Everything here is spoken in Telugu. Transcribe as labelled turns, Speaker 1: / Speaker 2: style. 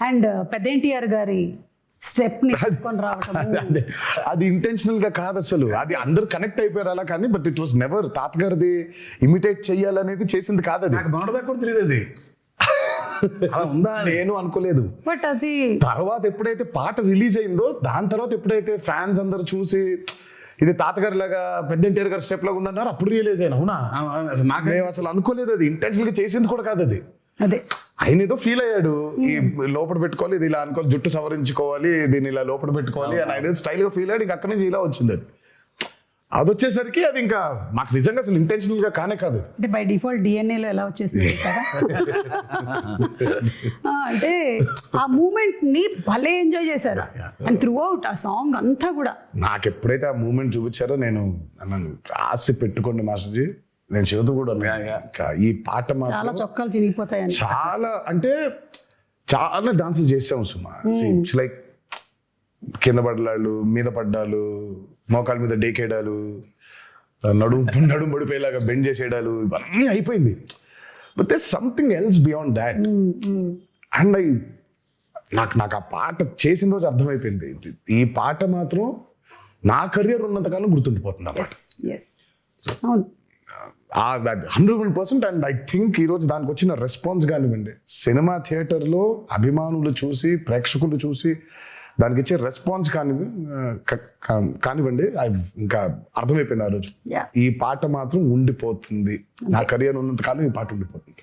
Speaker 1: అండ్ పెద్ద ఎన్టీఆర్ గారి స్టెప్ ని తీసుకొని రావటం
Speaker 2: అది ఇంటెన్షనల్ గా కాదు అసలు, అది అందరు కనెక్ట్ అయిపోయారు అలా, కానీ బట్ ఇట్ వాస్ నెవర్ తాతగారిది ఇమిటేట్ చెయ్యాలనేది చేసింది కాదు. అది
Speaker 3: నాకు మొన్నటిదాకా కూడా తెలియదు అది అలా ఉందా అని.
Speaker 2: నేను అనుకోలేదు.
Speaker 1: బట్ అది
Speaker 2: తర్వాత ఎప్పుడైతే పాట రిలీజ్ అయిందో దాని తర్వాత ఎప్పుడైతే ఫ్యాన్స్ అందరు చూసి ఇది తాతగారి లాగా పెద్ద ఎన్టీఆర్ గారి స్టెప్ లాగా ఉందన్నారు, అప్పుడు రియలైజ్ అయినా. అవునా,
Speaker 3: అసలు నాకు
Speaker 2: మేము అసలు అనుకోలేదు, అది ఇంటెన్షనల్ గా చేసింది కూడా కాదు అది.
Speaker 1: అదే
Speaker 2: ఆయన ఏదో ఫీల్ అయ్యాడు, ఈ లోపల పెట్టుకోవాలి, ఇది ఇలా అనుకోవాలి, జుట్టు సవరించుకోవాలి, దీన్ని ఇలా లోపల పెట్టుకోవాలి అని ఆయన స్టైల్ గా ఫీల్ అయ్యాడు. ఇంకా అక్కడి నుంచి ఇలా వచ్చింది అది. అది వచ్చేసరికి అది ఇంకా మాకు నిజంగా అసలు ఇంటెన్షనల్ గా కానే కాదు.
Speaker 1: అంటే బై డిఫాల్ట్ డిఎన్ఏలో ఎలా వచ్చేసింది సార్ అంటే ఆ మూమెంట్ ని భలే ఎంజాయ్ చేశారు అండ్ త్రూ అవుట్ ఆ సాంగ్ అంతా కూడా.
Speaker 2: నాకు ఎప్పుడైతే ఆ మూమెంట్ చూపించారో నేను నన్ను రాసి పెట్టుకోండి మాస్టర్జీ, నేను చెబుతూ కూడా ఇంకా ఈ పాట
Speaker 1: చాలా
Speaker 2: మాత్రం
Speaker 1: చొక్కాలు చిరిగిపోతాయని
Speaker 2: చాలా అంటే చాలా డాన్సెస్ చేసాం సుమా. ఇట్స్ లైక్ కింద పడ్డాలు, మీద పడ్డాలు, మోకాల మీద డేకేయడాలు, నడుము పడిపోయేలాగా బెండ్ చేసేయడాలు, ఇవన్నీ అయిపోయింది. But they something else beyond that. And నాకు ఆ పాట చేసిన రోజు అర్థమైపోయింది, ఈ పాట మాత్రం నా కెరియర్ ఉన్నంతకాలం గుర్తుండిపోతుంది ఆ పాట.
Speaker 1: అవును
Speaker 2: 100%. అండ్ ఐ థింక్ ఈరోజు దానికి వచ్చిన రెస్పాన్స్ కానివ్వండి, సినిమా థియేటర్లో అభిమానులు చూసి, ప్రేక్షకులు చూసి దానికి ఇచ్చే రెస్పాన్స్ కానివ్వండి, ఇంకా అర్థమైపోయింది ఆ రోజు. ఈ పాట మాత్రం ఉండిపోతుంది, నా కెరియర్ ఉన్నంత కాలం ఈ పాట ఉండిపోతుంది.